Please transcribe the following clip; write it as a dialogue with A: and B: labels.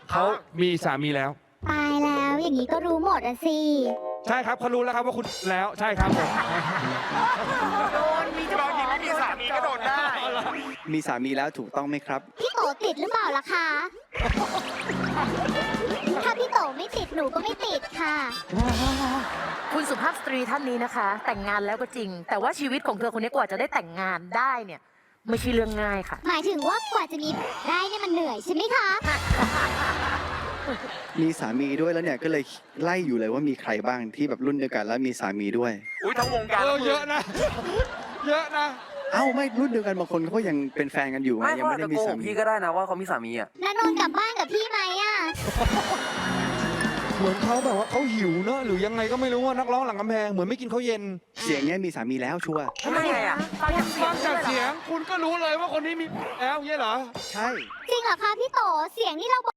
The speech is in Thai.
A: เขามีสามีแล้ว
B: ตายแล้วอย่างนี้ก็รู้หมดอะสิ
A: ใช่ครับเขารู้แล้วครับว่าคุณแล้วใช่ครับผม
C: โดนมีเจ้าของไม่มีสามีก็โดนได้
D: มีสามีแล้วถูกต้องไหมครับ
B: พี่โตติดหรือเปล่าล่ะคะ ถ้าพี่โตไม่ติดหนูก็ไม่ติดค่ะ
E: คุณสุภาพสตรีท่านนี้นะคะ แต่งงานแล้วก็จริง แต่ว่าชีวิตของเธอคนนี้กว่าจะได้แต่งงานได้เนี่ยไม่ใช่เรื่องง่ายค่ะ
B: หมายถึงว่ากว่าจะมีได้เนี่ยมันเหนื่อยใช่ไหมคะ
D: มีสามีด้วยแล้วเนี่ยก็เลยไล่อยู่เลยว่ามีใครบ้างที่แบบรุ่นเดียวกันแล้วมีสามีด้วย
C: อุ้ยทั้งวงการ
A: เยอะนะ เยอะนะ
D: เอ้าไม่รุ่นเดียวกันบางคนเขาก็ยังเป็นแฟนกันอยู่ไง
F: ไม่
D: ยัง
F: เขา
D: ไม่
F: อาจ
D: ได้
F: จะ
D: มี
F: โกห
D: สาก มี
F: พี่ก็ได้นะว่าเขามีสามีอ่ะ
B: นานนท์กลับบ้านกับพี่ไหมอะ
A: เหมือนเขาแบบว่าเขาหิวเนอะหรือยังไงก็ไม่รู้ว่านักร้องหลังกำแพงเหมือนไม่กินข้าวเย็น
D: เสียงเนี้ยมีสามีแล้วชัวร์
F: ทำไมอ่ะ
E: ฟังจากเสีย
A: ฟั
E: ง
A: งจากเสียงคุณก็รู้เลยว่าคนนี้มีแล้วเงี้ยเหรอ
D: ใช่
B: จริงเหรอคะพี่โตเสียงนี่เรา